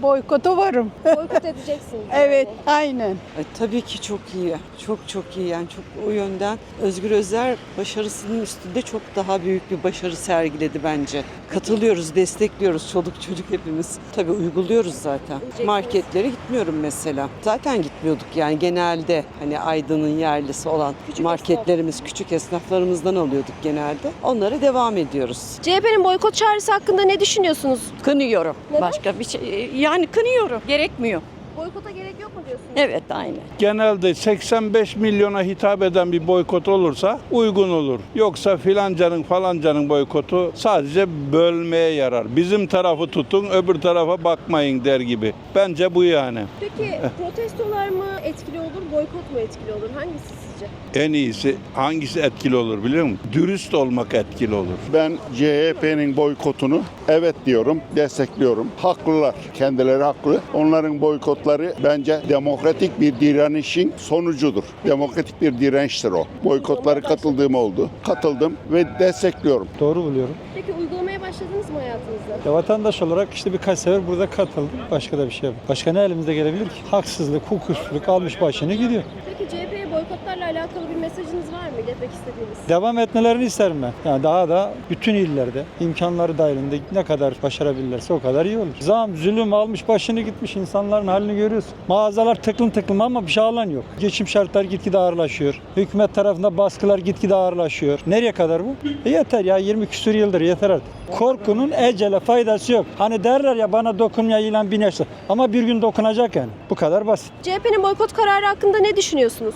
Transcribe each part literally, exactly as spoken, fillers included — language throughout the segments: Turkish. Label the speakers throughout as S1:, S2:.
S1: Boykota varım.
S2: Boykot edeceksiniz.
S1: Evet,
S2: yani.
S1: aynen.
S3: E, tabii ki çok iyi. Çok çok iyi yani çok o yönden Özgür Özel başarısının üstünde çok daha büyük bir başarı sergiledi bence. Katılıyoruz, destekliyoruz çoluk çocuk hepimiz. Tabii uyguluyoruz zaten. Marketlere gitmiyorum mesela. Zaten gitmiyorduk yani genelde hani Aydın'ın yerlisi olan
S2: Küçük
S3: marketlerimiz, küçük esnaflarımızdan alıyorduk genelde. Onlara devam ediyoruz.
S2: C H P'nin boykot çağrısı hakkında ne düşünüyorsunuz?
S1: Kınıyorum.
S2: Neden?
S1: Başka bir şey yani kınıyorum. Gerekmiyor.
S2: Boykota gerek yok mu diyorsunuz?
S1: Evet, aynen.
S4: Genelde seksen beş milyona hitap eden bir boykot olursa uygun olur. Yoksa filancanın falancanın boykotu sadece bölmeye yarar. Bizim tarafı tutun, öbür tarafa bakmayın der gibi. Bence bu yani.
S2: Peki protestolar mı etkili olur, boykot mu etkili olur? Hangisi sizce?
S4: En iyisi hangisi etkili olur biliyor musun? Dürüst olmak etkili olur.
S5: Ben C H P'nin boykotunu evet diyorum, destekliyorum. Haklılar, kendileri haklı. Onların boykotları bence demokratik bir direnişin sonucudur. Demokratik bir dirençtir o. Boykotları katıldığım oldu. Katıldım ve destekliyorum.
S6: Doğru buluyorum.
S2: Peki uygulamaya başladınız mı hayatınızda?
S6: Ya vatandaş olarak işte birkaç sefer burada katıldım. Başka da bir şey yok. Başka ne elimizde gelebilir ki? Haksızlık, hukuksuzluk almış başını gidiyor.
S2: Peki C H P'ye boykotlarla alakalı bir mesajınız var mı? İletmek istediğiniz?
S6: Devam etmelerini isterim ben. Yani daha da bütün illerde imkanları dahilinde ne kadar başarabilirlerse o kadar iyi olur. Zam, zulüm almış başını gitmiş, insanların halini görüyorsun. Mağazalar tıklım tıklım ama bir şey alan yok. Geçim şartları gitgide ağırlaşıyor. Hükümet tarafında baskılar gitgide ağırlaşıyor. Nereye kadar bu? E yeter ya, yirmi küsur yıldır yeter artık. Korkunun ecele faydası yok. Hani derler ya, bana dokunmaya ilan bin yaşlı. Ama bir gün dokunacak yani. Bu kadar basit.
S2: C H P'nin boykot kararı hakkında ne düşünüyorsunuz?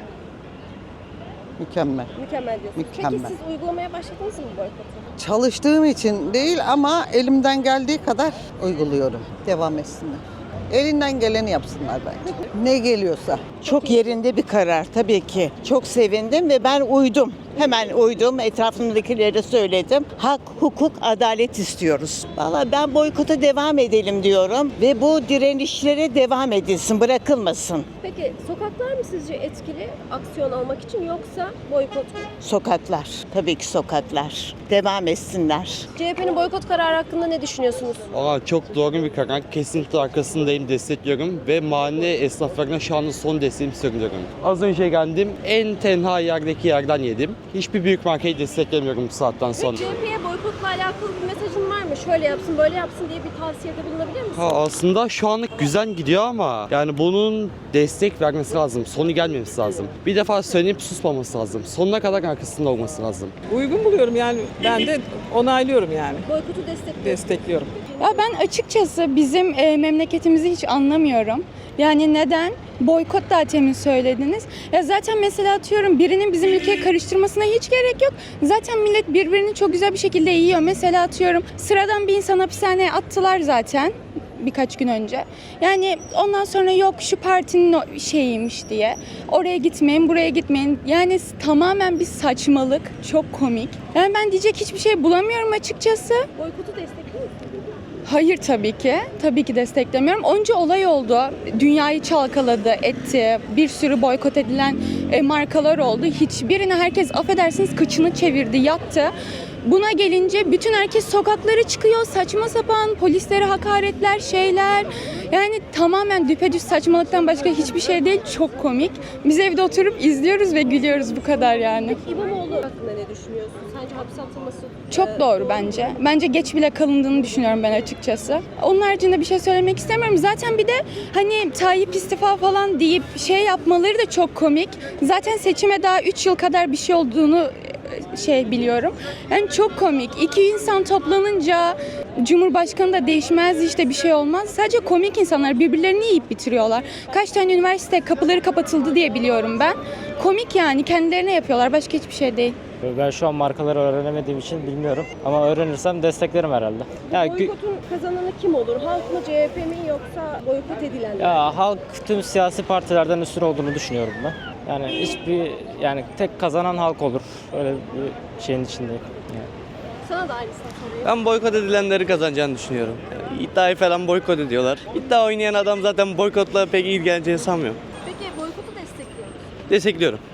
S7: Mükemmel.
S2: Mükemmel diyorsunuz.
S7: Mükemmel.
S2: Peki siz uygulamaya başladınız mı boykotu?
S7: Çalıştığım için değil ama elimden geldiği kadar uyguluyorum. Devam etsinler. Elinden geleni yapsınlar bence. Ne geliyorsa.
S8: Çok yerinde bir karar tabii ki. Çok sevindim ve ben uydum. Hemen uydum, etrafımdakilere söyledim. Hak, hukuk, adalet istiyoruz. Vallahi ben boykota devam edelim diyorum ve bu direnişlere devam edilsin, bırakılmasın.
S2: Peki sokaklar mı sizce etkili aksiyon almak için yoksa boykot mu?
S8: Sokaklar, tabii ki sokaklar. Devam etsinler.
S2: C H P'nin boykot kararı hakkında ne düşünüyorsunuz?
S9: Valla çok doğru bir karar. Kesinlikle arkasındayım, destekliyorum ve mahalle esnaflarına şu anda son desteğimi söylüyorum. Az önce geldim, en tenha yerdeki yerden yedim. Hiçbir büyük markayı desteklemiyorum bu saatten sonra.
S2: Ve C H P'ye boykotla alakalı bir mesajın var mı? Şöyle yapsın, böyle yapsın diye bir tavsiyede bulunabilir misin?
S9: Ha, aslında şu anlık güzel gidiyor ama yani bunun destek vermesi lazım. Sonu gelmemesi lazım. Bir defa söyleyip susmaması lazım. Sonuna kadar arkasında olması lazım.
S3: Uygun buluyorum yani ben de onaylıyorum yani.
S2: Boykotu destekliyor.
S3: Destekliyorum.
S10: Ya ben açıkçası bizim e, memleketimizi hiç anlamıyorum. Yani neden? Boykot da temin söylediniz. Ya zaten mesela atıyorum birinin bizim ülkeye karıştırmasına hiç gerek yok. Zaten millet birbirini çok güzel bir şekilde yiyor. Mesela atıyorum sıradan bir insan hapishaneye attılar zaten birkaç gün önce. Yani ondan sonra yok şu partinin şeyiymiş diye. Oraya gitmeyin, buraya gitmeyin. Yani tamamen bir saçmalık. Çok komik. Yani ben diyecek hiçbir şey bulamıyorum açıkçası.
S2: Boykotu destekliyor musun?
S10: Hayır tabii ki. Tabii ki desteklemiyorum. Onca olay oldu. Dünyayı çalkaladı, etti. Bir sürü boykot edilen e, markalar oldu. Hiçbirine herkes affedersiniz kıçını çevirdi, yattı. Buna gelince bütün herkes sokaklara çıkıyor. Saçma sapan polislere hakaretler, şeyler. Yani tamamen düpedüz saçmalıktan başka hiçbir şey değil. Çok komik. Biz evde oturup izliyoruz ve gülüyoruz bu kadar yani.
S2: İmamoğlu hakkında ne düşünüyorsun? Sence hapse atılması
S10: Çok
S2: e,
S10: doğru bence. Bence geç bile kalındığını düşünüyorum ben açıkçası. Onun haricinde bir şey söylemek istemiyorum. Zaten bir de hani Tayyip istifa falan deyip şey yapmaları da çok komik. Zaten seçime daha üç yıl kadar bir şey olduğunu şey biliyorum. Yani çok komik. İki insan toplanınca Cumhurbaşkanı da değişmez işte bir şey olmaz. Sadece komik insanlar birbirlerini yiyip bitiriyorlar. Kaç tane üniversite kapıları kapatıldı diye biliyorum ben. Komik yani kendilerine yapıyorlar. Başka hiçbir şey değil.
S11: Ben şu an markaları öğrenemediğim için bilmiyorum. Ama öğrenirsem desteklerim herhalde. Ya,
S2: boykotun kazananı kim olur? Halk mı, C H P mi yoksa boykot edilenler?
S11: ya halk tüm siyasi partilerden üstün olduğunu düşünüyorum ben. Yani hiçbir yani tek kazanan halk olur. Öyle bir şeyin içindeyim. Yani.
S2: Sana da aynısını soruyorum.
S9: Ben boykot edilenleri kazanacağını düşünüyorum. Yani iddiayı falan boykot ediyorlar. İddia oynayan adam zaten boykotla pek ilgileneceğini sanmıyorum.
S2: Peki boykotu destekliyor musun?
S9: Destekliyorum.